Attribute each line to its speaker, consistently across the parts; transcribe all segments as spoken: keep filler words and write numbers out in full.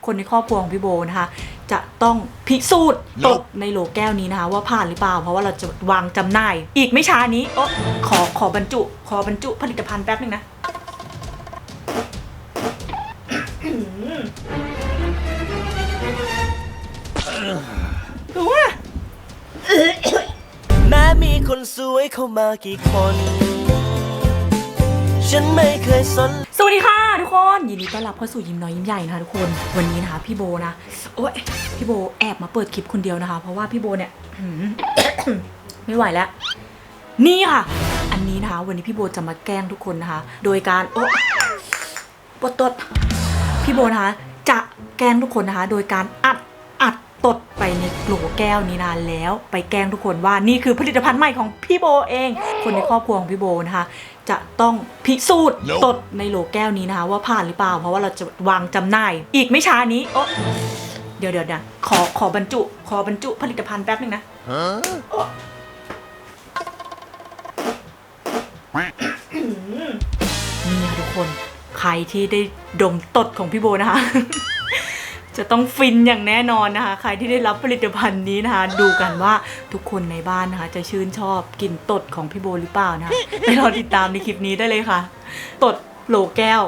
Speaker 1: คนในครอบครัวของพี่โบนะคะจะต้องพิสูจน์ตดในโหลแก้วนี้นะคะว่าผ่านหรือเปล่าเพราะว่าเราจะวางจำหน่ายอีกไม่ช้านี้โอ้ขอขอบรรจุขอบรรจุผลิตภัณฑ์แป๊บนึงนะดูว่า
Speaker 2: แม้มีคนสวยเข้ามากี่คนฉันไม่เคยสน
Speaker 1: สวัสดีค่ะทุกคนยินดีต้อนรับเข้าสู่ยิ้มน้อยยิ้มใหญ่นะคะทุกคนวันนี้นะคะพี่โบนะโอ้ยพี่โบแอบมาเปิดคลิปคนเดียวนะคะเพราะว่าพี่โบเนี่ย ไม่ไหวแล้วนี่ค่ะอันนี้นะคะวันนี้พี่โบจะมาแกล้งทุกคนนะคะโดยการโอ้ปวดตดพี่โบนะคะจะแกล้งทุกคนนะคะโดยการอัดอัดตดไปในโหลแก้วนี้นานแล้วไปแกล้งทุกคนว่านี่คือผลิตภัณฑ์ใหม่ของพี่โบเองคนในครอบครัวของพี่โบนะคะจะต้องพิสูจน์ตดในโหลแก้วนี้นะคะว่าผ่านหรือเปล่าเพราะว่าเราจะวางจำหน่ายอีกไม่ช้านี้โอ้เดี๋ยวเดี๋ยวนะขอขอบรรจุขอบรรจุผลิตภัณฑ์แป๊บนึงนะนี่ค่ะทุกคนใครที่ได้ดมตดของพี่โบนะคะ จะต้องฟินอย่างแน่นอนนะคะใครที่ได้รับผลิตภัณฑ์นี้นะคะดูกันว่าทุกคนในบ้านนะคะจะชื่นชอบกลิ่นตดของพี่โบหรือเปล่านะคะไปรอติดตามในคลิปนี้ได้เลยค่ะตดโหลแก้ว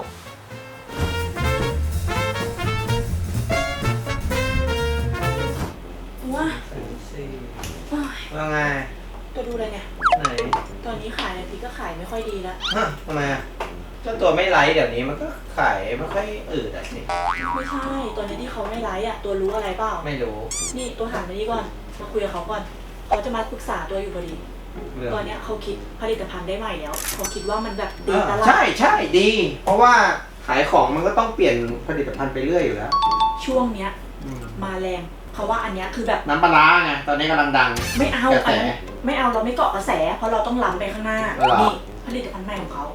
Speaker 1: ว้า
Speaker 3: ว่าไง
Speaker 1: ตัวดูอะไรเนี่ย
Speaker 3: ไหน
Speaker 1: ตอนนี้ขายอะไรพี่ก็ขายไม่ค่อยดีแล้ว
Speaker 3: ฮะทำไมอ่ะเจ้าตัวไม่ไลฟ์เดี๋ยวนี้มันก็ขายไม่ค่อยอืดอ่ะสิ
Speaker 1: ไม่ใช่ตัวนี้ที่เขาไม่ไลฟ์อ่ะตัวรู้อะไรเปล่า
Speaker 3: ไม่รู้
Speaker 1: นี่ตัวหันมานี่ก่อนมาคุยกับเขาก่อนเขาจะมาปรึกษาตัวอยู่พอดีตอนนี้เขาคิดผลิตภัณฑ์ได้ใหม่แล้วเขาคิดว่ามันแบบดีตลาด
Speaker 3: ใช่ใช่ดี เพราะว่าขายของมันก็ต้องเปลี่ยนผลิตภัณฑ์ไปเรื่อยอยู่แล้ว
Speaker 1: ช่วงเนี้ยมาแรงเพราะว่าอันเนี้ยคือแบบ
Speaker 3: น้ำปลาไงตอนนี้กำลังดัง
Speaker 1: ไม่เอาอันไม่เอาเราไม่เกาะกระแสเพราะเราต้องล้ำไปข้างหน้านี่ผลิตภัณฑ์ใหม่ของเขา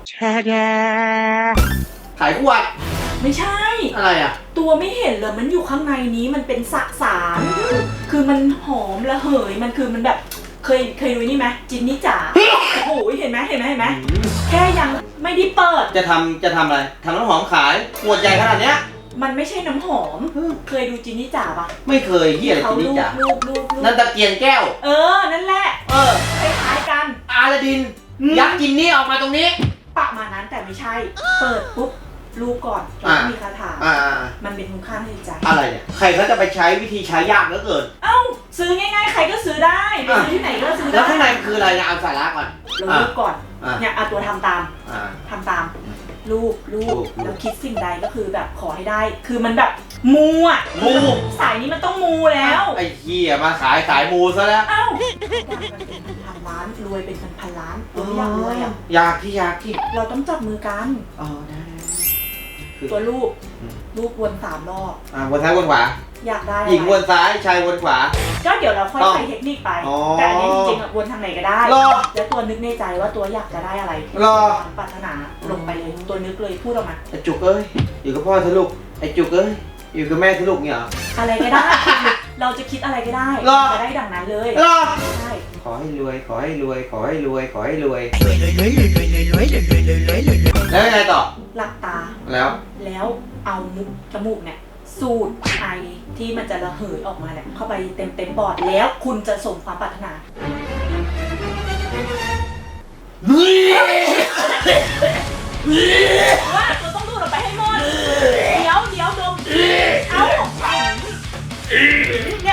Speaker 3: ขายขวด
Speaker 1: ไม่ใช่
Speaker 3: อะไรอ่ะ
Speaker 1: ตัวไม่เห็นเลยมันอยู่ข้างในนี้มันเป็นสสารคือมันหอมระเหยมันคือมันแบบเคยเคยดูนี่ไหมจินนี่จ๋าโอ้โหเห็นไหมเห็นไหมเห็นไหมแค่ยังไม่ได้เปิด
Speaker 3: จะทำจะทำอะไรทำน้ำหอมขายขวดใหญ่ขนาดเนี้ย
Speaker 1: มันไม่ใช่น้ำหอมเคยดูจินนี่จ๋าปะ
Speaker 3: ไม่เคยเหี้ยอะไรจินนี่จ๋านั่นตะเกียงแก้ว
Speaker 1: เออนั่นแหละ
Speaker 3: เออ
Speaker 1: คล้ายๆกัน
Speaker 3: อาลาดินยักษ์จินนี่ออกมาตรงนี้
Speaker 1: ประมาณนั้นแต่ไม่ใช่เปิดปุ๊บรูปก่อนแล้วมีคาถามันเป็นคุณค่าทางจิตใจ
Speaker 3: อะไรเนี่ยใครเขาจะไปใช้วิธีใช้ยากเหลือเกิน
Speaker 1: เอ้าซื้อง่ายๆใครก็ซื้อได้ไปซื้อที่ไหนก็ซื้อได้
Speaker 3: แล้วข้างในคืออะไรนะเอาสาระก่อน
Speaker 1: เรารูปก่อนเนี่ยเอาตัวทำตามทำตามรูปรูปแล้วคิดสิ่งใดก็คือแบบขอให้ได้คือมันแบบมูอ่ะ
Speaker 3: มู
Speaker 1: สายนี้มันต้องมูแล้ว
Speaker 3: ไอ้เหี้ยมาขายขายมูซะแล้ว
Speaker 1: เอ้าเป็นพันล้านรวยเป็นพันพันล้านตัวไม่อยากรวยอ่ะ
Speaker 3: อยากที่อยากที่
Speaker 1: เราต้องจับมือกัน
Speaker 3: อ๋อได้
Speaker 1: ตัวรูปรูปวนสามรอบ
Speaker 3: อ่าวนซ้ายวนขวา
Speaker 1: อยากได้
Speaker 3: หญิงวนซ้ายชายวนขวา
Speaker 1: ก็เดี๋ยวเราค่อยใส่เทคนิคไปแต่อันนี้จริงๆวนทางไหนก็ได้แล้วตัวนึกในใจว่าตัวอยากจะได้อะไรปรารถนาลงไปเลยตัวนึกเลยพูดออกมา
Speaker 3: ไอจุกเอ้ยอยู่กับพ่อทะลุไอจุกเอ้ยอยู่กับแม่ทะลุเนี่ย
Speaker 1: อะไรก็ได้เราจะคิดอะไรก็ได้จะได้ดังนั้นเลยใช่
Speaker 3: ขอให้รวยขอให้รวยขอให้รวยขอให้รวยแล้วยังไงต่อ
Speaker 1: หลับตา
Speaker 3: แล้ว
Speaker 1: แล้วเอามุกจมูกเนี่ยสูดไอที่มันจะระเหยออกมาเนี่ยเข้าไปเต็มเต็มปอดแล้วคุณจะสมความปรารถนาว่าเราต้องดูดออกไปให้หมดเดี๋ยวเดี๋ยวดมเอาเนี่ย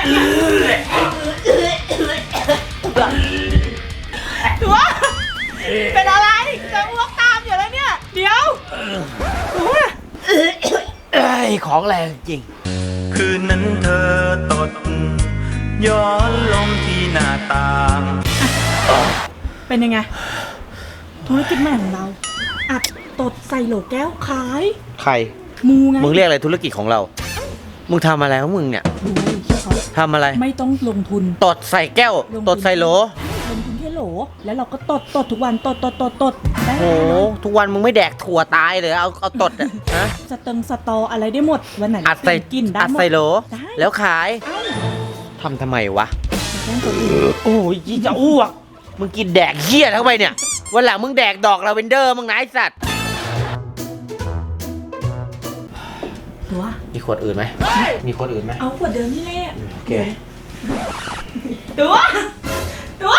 Speaker 1: ตัวเป็นอะไรจะอ้วกตามอยู่แล้วเนี่ยเดี๋ยวตัว
Speaker 2: ไอ้ของแรงจริงคืนนั้นเธอตดย้อนลมที่หน้าต่าง
Speaker 1: เป็นยังไงธุรกิจใหม่ของเราอัดตดใส่โหลแก้วขาย
Speaker 3: ใคร
Speaker 1: มูไง
Speaker 3: มึงเรียกอะไรธุรกิจของเรามึงทำอะไรของมึงเนี่ยทำอะไร
Speaker 1: ไม่ต้องลงทุน
Speaker 3: ตดใส่แก้วตดใส่โหล
Speaker 1: ลงทุนแค่โหลแล้วเราก็ตดตดทุกวันตดตดตดตด
Speaker 3: โอ้ทุกวันมึงไม่แดกถั่วตายเลยเอาเอาตดอ่ะฮะ
Speaker 1: สเติงสตออะไรได้หมดวันไหน
Speaker 3: อัดใส่
Speaker 1: กินได้
Speaker 3: อัดใส่โหลแล้วขายทำทำไมวะโอ้ยยี่จะอ้วกมึงกินแดกเหี้ยเข้าไปเนี่ยวันหลังมึงแดกดอกลาเวนเดอร์มึงนะไอ้สัตว์
Speaker 1: ตัว
Speaker 3: อีกขวดอื่นไหมมีขวดอื่นไหม
Speaker 1: เอาขวดเดิมนี่แหละ
Speaker 3: โอเค
Speaker 1: ตัวตัว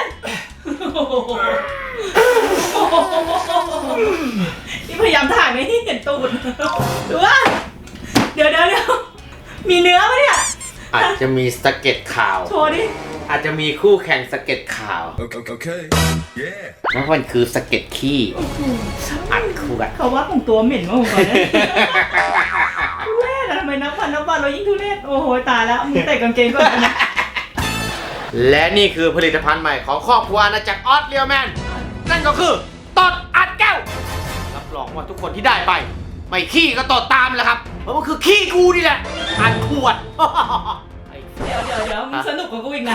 Speaker 1: นี่พยายามถ่ายไม่ให้เห็นตูดตัวเดี๋ยวเดี๋ยวเดี๋ยวมีเนื้อไหมเนี่ย
Speaker 3: อาจจะมีสะเก็ดข่าว
Speaker 1: โชว์ดิ
Speaker 3: อาจจะมีคู่แข่งสะเก็ดข่าว
Speaker 4: Okay. Yeah.
Speaker 3: นั่นมันคือสะเก็ดขี้อัดคู่กัน
Speaker 1: เขาว่าของตัวเหม็นมากกว่าเนี่ยทุเรศอะทำไมนับวันนับวันเรายิ่งทุเรศโอ้โหตายแล้วมึงใส่กางเกงก่อนนะ
Speaker 3: และนี่คือผลิตภัณฑ์ใหม่ของครอบครัวอาณาจักรออสเรียวแมนนั่นก็คือตดอัดแก้วรับรองว่าทุกคนที่ได้ไป ไม่ขี้ก็ตดตามแหละครับเพราะมันคือขี้กูนี่แหละอัดขวด
Speaker 1: เดี๋ยวเดี๋ยวเดี๋ยวมึงสนุกกว่ากูอีกนะ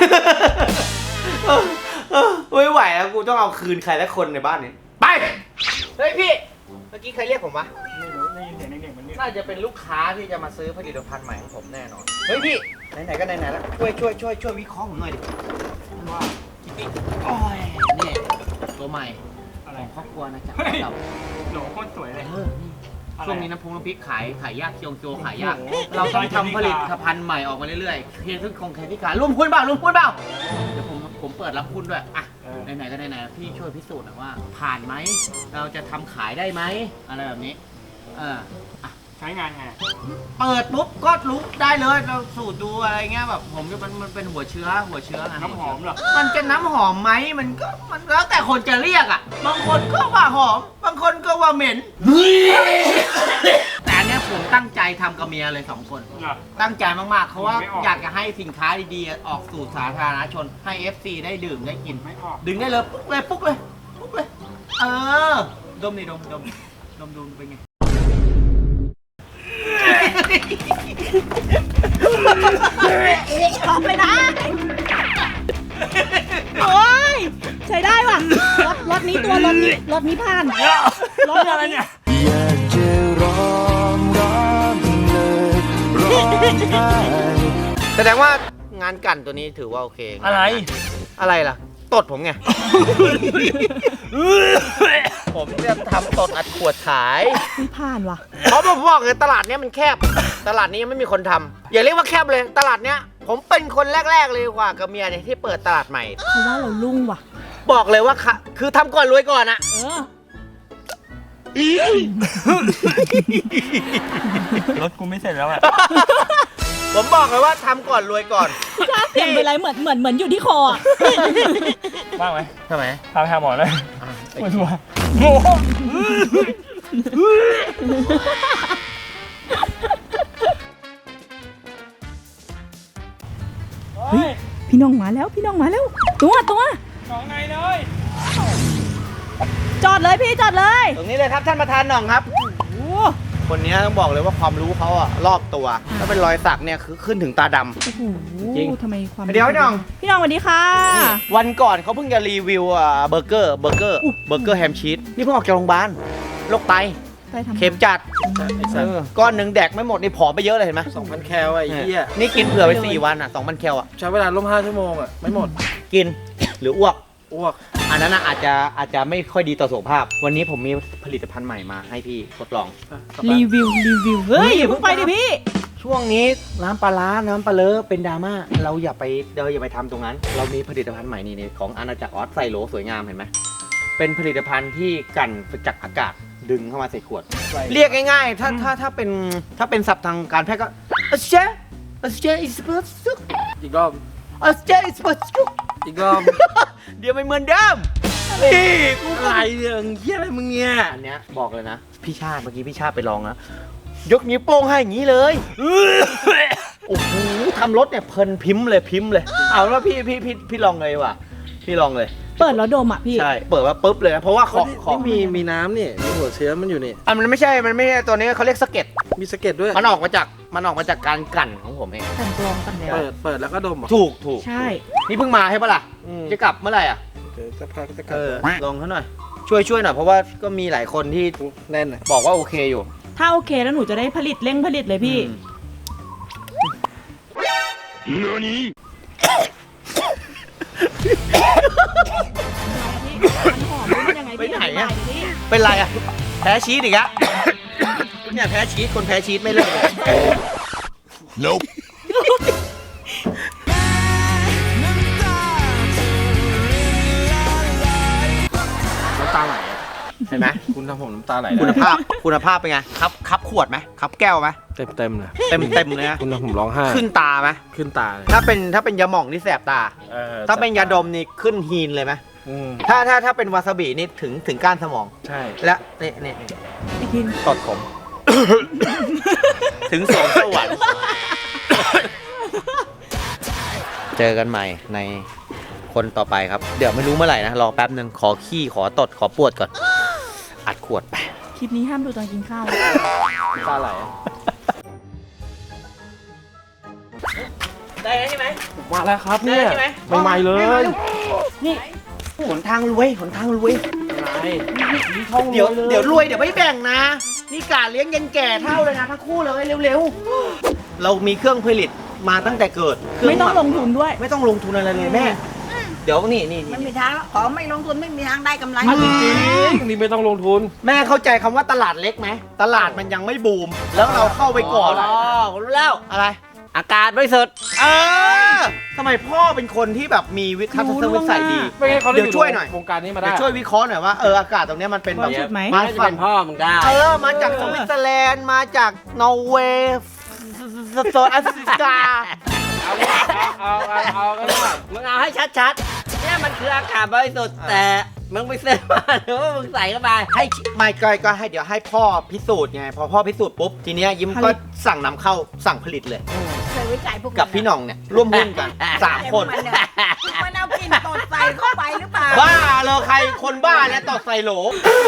Speaker 3: ไม่ไหวแล้วกูต้องเอาคืนใครสักคนในบ้านนี้ไปเฮ้ยพี่เมื่อกี้ใครเรียกผมวะ
Speaker 2: ไม่รู้ได้ยินเสียงเด็กๆมันเรียก
Speaker 3: น่าจะเป็นลูกค้าที่จะมาซื้อผลิตภัณฑ์ใหม่ของผมแน่นอนเฮ้ยพี่ไหนๆก็ไหนๆแล้วช่วยช่วยช่วยช่วยวิเคราะห์ผมหน่อยดิว่าโอ้ยนี่ตัวใหม่
Speaker 2: อะไร
Speaker 3: ของครอบครัวนะจ๊ะ
Speaker 2: เฮ้ย
Speaker 3: เรา
Speaker 2: โหลโคตรสวยเลย
Speaker 3: เออนี่
Speaker 2: อะไร
Speaker 3: ช่วงนี้น้ำพุน้ำพริกขายขายยากเคียงโจขายยาก
Speaker 2: โอ้โห
Speaker 3: เราต้องทำผลิตภัณฑ์ใหม่ออกมาเรื่อยๆเคซึ่งคงเคที่ขายร่วมหุ้นเปล่าร่วมหุ้นเปล่าเดี๋ยวผมผมเปิดรับหุ้นด้วยอ่ะ
Speaker 2: เออ
Speaker 3: ไหนๆก็ไหนๆพี่ช่วยพิสูจน์หน่อยว่า ผ่านไหมเราจะทำขายได้ไหมอะไรแบบนี้เอออ่ะ
Speaker 2: ใช้งานไง
Speaker 3: เปิดปุ๊บก็รู้ได้เลยเราสูตรดูอะไรเงี้ยแบบผมจะมันมันเป็นหัวเชื้อหัวเชื้อไง
Speaker 2: น้ำหอมเหรอ
Speaker 3: มันจะน้ำหอมไหมมันก็มันแล้วแต่คนจะเรียกอ่ะบางคนก็ว่าหอม บางคนก็ว่าเหม็น แต่อันเนี้ยผมตั้งใจทำกับเมียเลยสองคน
Speaker 2: เหรอ
Speaker 3: ตั้งใจมากๆเพราะว่า
Speaker 2: ไม่ออก
Speaker 3: อยากจะให้สินค้าดีๆออกสู่สาธารณชนให้ เอฟ ซี ได้ดื่มได้กิน
Speaker 2: ไม่ออก
Speaker 3: ดึงได้เลยปุ๊บเลยปุ๊บเลยปุ๊บเลยเออดมนี่ดมดมดมดูเป็นไง
Speaker 1: ออกไปนะโอ้ยใช้ได้ว่ะรถรถนี้ตัวรถนี้รถนี้ผ่านรถอะไรเนี่ย
Speaker 4: อยากจะร้องร้องเลยร้องไห้
Speaker 3: แสดงว่างานกั่นตัวนี้ถือว่าโอเค
Speaker 2: อะไร
Speaker 3: อะไรล่ะ ตดผมไง ผมจะทำตดอัดขวดขาย
Speaker 1: ไม่ผ่านว่ะ
Speaker 3: เพราะผมบอกเลยตลาดเนี้ยมันแคบ ตลาดนี้ยังไม่มีคนทำอย่าเรียกว่าแคบเลย ตลาดเนี้ยผมเป็นคนแรก ๆ เลยกว่ากับเมียเนี่ยที่เปิดตลาดใหม่
Speaker 1: เพราะว่าเราลุ่งว่ะ
Speaker 3: บอกเลยว่าค่ะคือทำก่อนรวยก่อนอะ
Speaker 1: เออ
Speaker 2: รถกูไม่เสร็จแล้วอ่ะ
Speaker 3: ผมบอกเลยว่าทำก่อนรวยก่อน
Speaker 1: ชาเสียงเป็นไรเหมือนเหมือนเหมือนอยู่ที่คออ่ะ
Speaker 2: ว่างไหม
Speaker 3: ทำไม
Speaker 2: พาไปหาหมอเลย
Speaker 3: อ่ะ
Speaker 2: ปวดหัวโง่
Speaker 1: เฮ้ยพี่น้องมาแล้วพี่น้องมาแล้ว ตัวตัว
Speaker 2: น้องไงเลย
Speaker 1: จอดเลยพี่จอดเลย
Speaker 3: ตรงนี้เลยครับท่านประธานหน่องครับ
Speaker 1: โอ้
Speaker 3: คนนี้ต้องบอกเลยว่าความรู้เขาอะรอบตัวถ้าเป็นรอยสักเนี่ยคือขึ้นถึงตาดำ
Speaker 1: โอ้โห
Speaker 3: จริง
Speaker 1: ทำไมความ
Speaker 3: เดี๋ยวพี่น้อง
Speaker 1: พี่น้องสวัสดีค่ะ
Speaker 3: วันก่อนเขาเพิ่งจะรีวิวอ่ะเบอร์เกอร์เบอร์เกอร์เบอร์เกอร์แฮมชีสนี่เพิ่งออกจากโรงพยาบาลโรคไต
Speaker 1: ไปทำ
Speaker 3: เข็มจัดเออก้อนหนึ่งแดกไม่หมดนี่ผอมไปเยอะเลยเห็นไหม
Speaker 5: สองพันแคลอะไอ้เหี้ย
Speaker 3: นี่กินเผื่อไปสี่วันอ่ะสองพันแคลอ่ะ
Speaker 5: ใช้เวลาร่วมห้าชั่วโมงอะไม่หมด
Speaker 3: กินหรืออ้วก
Speaker 5: อ้วก
Speaker 3: อันนั้นน่ะอาจจะอาจจะไม่ค่อยดีต่อสุขภาพ วันนี้ผมมีผลิตภัณฑ์ใหม่มาให้พี่ทดลอง
Speaker 1: รีวิวรีวิวเฮ้ยอย่าเพิ่งไปดิพี่
Speaker 3: ช่วงนี้น้ำปลาร้าน้ำปลาเลอะเป็นดราม่าเราอย่าไปเราอย่าไปทำตรงนั้น เรามีผลิตภัณฑ์ใหม่นี่นี่ของอาณาจักรออสไซโลสวยงามเห็นไหมเป็นผลิตภัณฑ์ที่กันจากอากาศดึงเข้ามาใส่ขวด เรียกง่ายๆ ถ้าถ้าถ้าเป็นถ้าเป็นศัพท์ทางการแพทย์ก็อัสเชอัสเชอิสเปอร์ซุก
Speaker 5: อีกรอบ
Speaker 3: อัสเชอิสเปอร์ซุก
Speaker 5: อีกรอบ
Speaker 3: เดี๋ยวไม่เหมือนเดิมนี่กู
Speaker 5: อะไรเนี่ยเหี้ยอะไรมึงเนี่ย
Speaker 3: อันเนี้ยบอกเลยนะ พี่ชาติเมื่อกี้พี่ชาติไปลองนะยกนิ้วโป้งให้อย่างนี้เลย โอ้โหทำรถเนี่ยเพลินพิมพ์เลยพิมพ์เลย เอาแล้วพี่พี่พี่พี่ลองเลยว่ะพี่ลองเลย
Speaker 1: เปิดแล้วดมอ่ะพี่
Speaker 3: ใช่ เปิดว่าปุ๊บเลยนะ เพราะว่าของ
Speaker 5: นี่
Speaker 3: ของ
Speaker 5: นี่มีมีน้ำนี่มีหัวเชื้อมันอยู่นี่
Speaker 3: อ่ะมันไม่ใช่ มันไม่ใช่ตัวนี้เขาเรียกสะเก็ด
Speaker 5: มีสะเก็ดด้วย
Speaker 3: มันออกมาจาก มันออกมาจากการกลั่นของผมเอง
Speaker 1: กันกรองกันแล้ว
Speaker 5: เปิดเปิดแล้วก็ดมเหรอ
Speaker 3: ถูกถูก
Speaker 1: ใช่
Speaker 3: นี่เพิ่งมาใช่ปะล่ะ
Speaker 5: อืม
Speaker 3: จะกลับเมื่อไหร่อ่ะ
Speaker 5: เดี๋ยวจะพักจะกลั
Speaker 3: เอบ อ ลองเขาหน่อย ช่วยช่วยหน่อย เพราะว่าก็มีหลายคนที่
Speaker 5: แน่นอะ
Speaker 3: บอกว่าโอเคอยู่
Speaker 1: ถ้าโอเคแล้วหนูจะได้ผลิตเร่งผลิตเลยพี่
Speaker 3: อืม
Speaker 1: มันหอมมันยังไง
Speaker 3: ไป
Speaker 1: พี่
Speaker 3: ไหน
Speaker 1: อธิ
Speaker 3: อะ
Speaker 1: บายดิพี่
Speaker 3: เป็นไรอ่ะ แพ้ชีสอีกอะเนี่ยแพ้ชีส คนแพ้ชีสไม่เลิกเลย
Speaker 2: Nope
Speaker 5: น้ำตาไหลอะ
Speaker 3: เห็นไหม
Speaker 5: คุณทำผมน้ำตาไหล
Speaker 3: คุณภาพคุณภาพเป็นไงครับครับขวดไหมครับแก้วไหม
Speaker 5: เต็มเต็มๆเลย
Speaker 3: เต็มเต็มเลยนะ
Speaker 5: คุณทำผมร้องไห้
Speaker 3: ขึ้นตาไหม
Speaker 5: ขึ้นตาเลย
Speaker 3: ถ้าเป็นถ้าเป็นยาหม่องนี่แสบตา
Speaker 5: ออ
Speaker 3: ถ้าเป็นยาดมนี่ขึ้นฮีนเลยไหม
Speaker 5: อืม
Speaker 3: ถ้าถ้าถ้าเป็นวาซาบินี่ถึงถึงก้านสมอง
Speaker 5: ใช่
Speaker 3: และนี่นี่นี่
Speaker 1: ไอ้กิน
Speaker 3: ตดผม ถึงสองสวรรค์ เจอกันใหม่ในคนต่อไปครับ เดี๋ยวไม่รู้เมื่อไหร่นะ รอแป๊บหนึ่งขอขี้ขอตดขอปวดก่อน อัดขวดไป
Speaker 1: คลิปนี้ห้ามดูตอนกินข้าว
Speaker 5: น้ำตาไหลอะ
Speaker 3: ได้ใช่ไหม
Speaker 5: มาแล้วครับเนี่ย
Speaker 3: ได้ใช่ไหม
Speaker 5: ใหม่ๆเลย
Speaker 3: นี่หนทางรวยหนทางรวย
Speaker 5: อะไร
Speaker 3: เดี๋ยวเดี๋ยวรวยเดี๋ยวไม่แบ่งนะ นี่กาเลี้ยงยันแก่เท่าเลยนะทั้งคู่เลยเร็วๆ เรามีเครื่องผลิตมาตั้งแต่เกิดเครื่
Speaker 1: ไม่ต้องลงทุนด้วย
Speaker 3: ไม่ต้องลงทุนอะไรเลยแม่ เดี๋ยวนี่นี่
Speaker 6: มัน
Speaker 3: นี่
Speaker 6: มีทางแล้วของไม่ลงทุนไม่มีทางได้กำไร
Speaker 5: จริงๆนี่ไม่ต้องลงทุน
Speaker 3: แม่เข้าใจคำว่าตลาดเล็กไหมตลาดมันยังไม่บูม แล้วเราเข้าไปก่อน
Speaker 5: อ๋อ
Speaker 3: ผมรู้แล้วอะไร อากาศบริสุทธิ์เออทำไมพ่อเป็นคนที่แบบมีวิทัศนวิสัยดี
Speaker 5: ไม่งั้นเขาได้
Speaker 3: เดี๋ยวช่วยหน่อย
Speaker 5: วงการนี้มาได้
Speaker 3: เดี๋ยวช่วยวิเคราะห์หน่อยว่าเอออากาศตรงเนี้ยมันเป็นแบบ
Speaker 1: บริสุทธิ์ไหม
Speaker 3: มา
Speaker 5: น่าจะ
Speaker 3: ฝั่
Speaker 5: เป็
Speaker 3: ง
Speaker 5: นพ่อมึงได้
Speaker 3: เออมาจากสวิตเซอร์แลนด์มาจากนอร์เวย์โซนแอฟริกา
Speaker 5: เอาเอาเอาเอาก็ได้
Speaker 7: มึงเอาให้ชัดๆ เนี่ยมันคืออากาศบริสุทธิ์แต่มึงไปซื้อมาหรือว่ามึงใส่เข้าไป
Speaker 3: ให้ไม่ก็ก็ให้เดี๋ยวให้พ่อพิสูจน์ไงพอพ่อพิสูจน์ปุ๊บทีเนี้ยยิ้มก็สั่งนำเข้าสั่งผลิตเลย
Speaker 6: เคยวิจัยพวก
Speaker 3: กับพี่หน่องเนี่ยร่วมหุ้นกันสามคน
Speaker 6: มันเนี่ยมันเอากลิ่นตดใส่เข้าไปหรือเปล่า
Speaker 3: บ้าเลยใครคนบ้าเนี่ยตดใส่โหล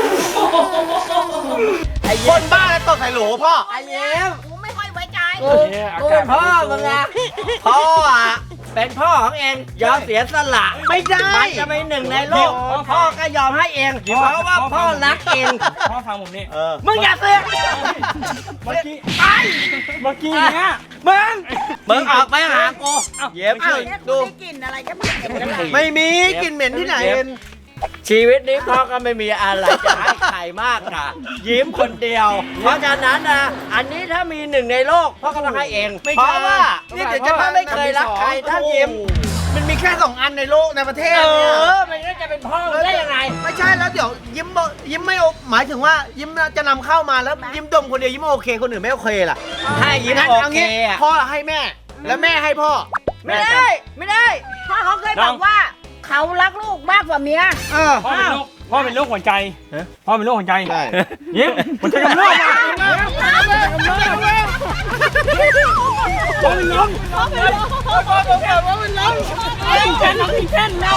Speaker 3: คนบ้าแล้วตดใส่โหลพ่อ
Speaker 7: ไอ้เย้ม
Speaker 6: กูไม่ค่อยไว้ใจ
Speaker 7: กูกูเป็นพ่อมึงอะพ่ออะเป็นพ่อของเองยอมเสียสละ
Speaker 3: ไม่ได้
Speaker 7: มันจะเป็นหนึ่งในโลกพ่อก็ยอมให้เองเพราะว่าพ่อรักเอง
Speaker 5: พ่อฟังผมนี่
Speaker 3: เออ
Speaker 7: มึงอย่าเสือก
Speaker 5: เมื่อกี้เมื่อกี้เนี้ย
Speaker 7: มึงมึงออกไปหากู
Speaker 3: เย็บ
Speaker 6: อ้า
Speaker 3: ช่
Speaker 6: ว
Speaker 3: วย
Speaker 6: เนี่ยกู
Speaker 3: ดู
Speaker 6: ได้กลิ่นอะไรก็ไม่เห็นเลย
Speaker 3: ไม่มีกลินเหม็นที่ไหน
Speaker 7: ชีวิตนี้พ่อก็ไม่มีอะไรจะให้ใครมากค่ะ ยิ้มคนเดียว เพราะฉะนั้นนะอันนี้ถ้ามีหนึ่งในโลกพ่อก็ต้องให้เอง
Speaker 3: ไม่
Speaker 7: เพ
Speaker 3: ใช่
Speaker 7: ราะว่า
Speaker 3: นี่เดี๋ยวจะ
Speaker 7: พ่อไม่เคยรักใครถ้ายิ้ม
Speaker 3: มันมีแค่สองอันในโลกในประเทศ
Speaker 7: เอ
Speaker 3: เนี่ย
Speaker 7: อมันก็จะเป็นพ่อได้ยังไง
Speaker 3: ไม่ใช่แล้วเดี๋ยวยิ้มบอกยิ้มไม่โอหมายถึงว่ายิ้มจะนำเข้ามาแล้วยิ้มดมคนเดียวยิ้มโอเคคนอื่นไม่โอเคล่ะ
Speaker 7: ถ้ายิ้ม
Speaker 3: งั้น
Speaker 7: โอ
Speaker 3: เอา
Speaker 7: เค
Speaker 3: งี้
Speaker 7: อะ
Speaker 3: พ่อให้แม่ แล้วแม่ให้พ่อ
Speaker 7: ไม่ได้ไม่ได้
Speaker 6: พ่อเขาเคยบอกว่า เขารักลูกมากกว่าเมีย
Speaker 3: เออ
Speaker 5: พ่อเป็นโรคพ่อเป็นโรคหัวใจพ่อเป็นโรคหัวใจ
Speaker 3: ใช่
Speaker 5: ยิ้มหัวใจกำเริบมาพ่อเป็นลมพ่อเป็นลมพ่อเป็นลมติดแขนน้องติดแขนเรา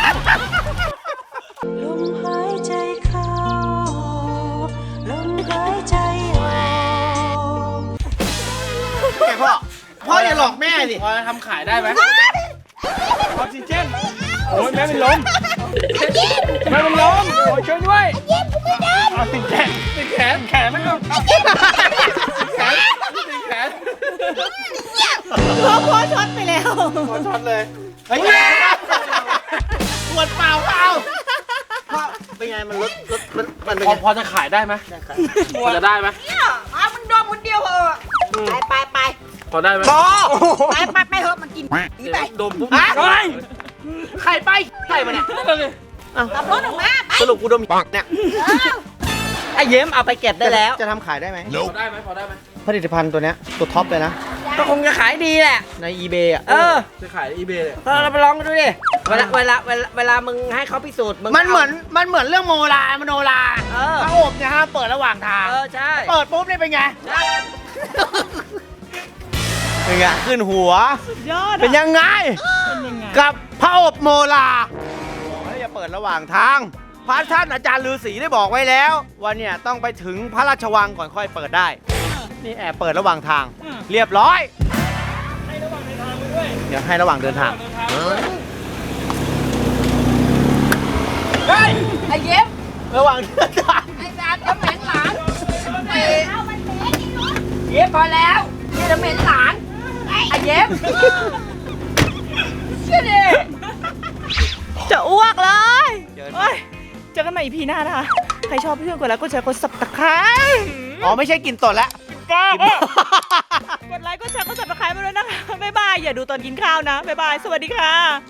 Speaker 8: ลมหายใจเข้า ลมหายใจออก
Speaker 3: แกพ่อพ่ออย่าหลอกแม่สิ
Speaker 5: พอจะทำขายได้ไหมออกซิเจนโอ้ยแม่เป็นลมแม่เป็นลมโอ้ยช่วยด้วยเอาติดแขนติดแขนแขนไม่เอาติดแขนติดแขน
Speaker 1: พ่อพ่อช็อตไปแล้ว
Speaker 3: ขอช็อตเลยเฮ้ยปวดเปล่าเปล่าพ่อเป็นไงมันลดลดมันมันเป็น
Speaker 5: พอ
Speaker 3: ไง
Speaker 5: พอจะขายได้ไหมพอจะได้ไหม
Speaker 6: เนี่ยเอามึงดมคนเดียวเหอะไปไปไป
Speaker 5: พอได้ไหม
Speaker 3: พ่อ
Speaker 6: ไปไปไปเหอะมันกินอีไป
Speaker 5: ดมปุ๊บ
Speaker 3: ฮะ
Speaker 5: เฮ้ย
Speaker 3: ใครไปใครมาเนี่ย
Speaker 6: ขับรถออกมาไป
Speaker 3: สรุปกูดมเนี่ย
Speaker 7: ไอ้ยิ้มเอาไปเก็บได้แล้ว
Speaker 3: จะทำขายได้ไหม
Speaker 5: พอได้ไหมพอได้ไหม
Speaker 3: ผลิตภัณฑ์ตัวเนี้ยตัวท็อปเลยนะ
Speaker 7: ก็คงจะขายดีแหละ
Speaker 3: ใน eBay อ่ะ
Speaker 7: เออ
Speaker 5: จะขายอีเบย์เลย
Speaker 7: เราไปลองดูดิ เวลาเวลาเวลาเวลามึงให้เขาพิสูจน์มึง
Speaker 3: มันเหมือนมันเหมือนเรื่องโมลามโนรา
Speaker 7: เออ
Speaker 3: พระอบเนี่ยฮะเปิดระหว่างทาง
Speaker 7: เออใช่
Speaker 3: เปิดปุ๊บนี่เป็นไง
Speaker 7: ใช่
Speaker 3: เป็นไงขึ้นหัว
Speaker 1: ยอด
Speaker 3: เป็นยังไง
Speaker 1: เป็นยังไง
Speaker 3: กับพระอบโมลาบอกให้อย่าเปิดระหว่างทาง พระท่านอาจารย์ฤาษีได้บอกไว้แล้วว่าเนี่ยต้องไปถึงพระราชวังก่อนค่อยเปิดได้ นี่แอบเปิดระหว่างทาง เรียบร้อย เดี๋ยวให้ระหว่างเดินทาง
Speaker 6: ไอ้เย็บ
Speaker 3: ระหว่างเดินทาง
Speaker 6: ไอ้สารจะเหม็นหลานเย็บพอแล้วเนี่ยจะเหม็นหลานไอ้เย็บเชื่อดิ
Speaker 1: จะอ้วกเลย
Speaker 3: เจอ
Speaker 1: โอ้ยเจอกันใหม่อีพีหน้านะคะ ใครชอบพี่เพื่อนกดไลค์กดแชร์กดสับตะไคร้
Speaker 3: อ๋อไม่ใช่กินตดแล้ว
Speaker 1: แกกดไลค์กดแชร์กดซับสไครป์มาด้วยนะคะบ๊ายบายอย่าดูตอนกินข้าวนะบ๊ายบายสวัสดีค่ะ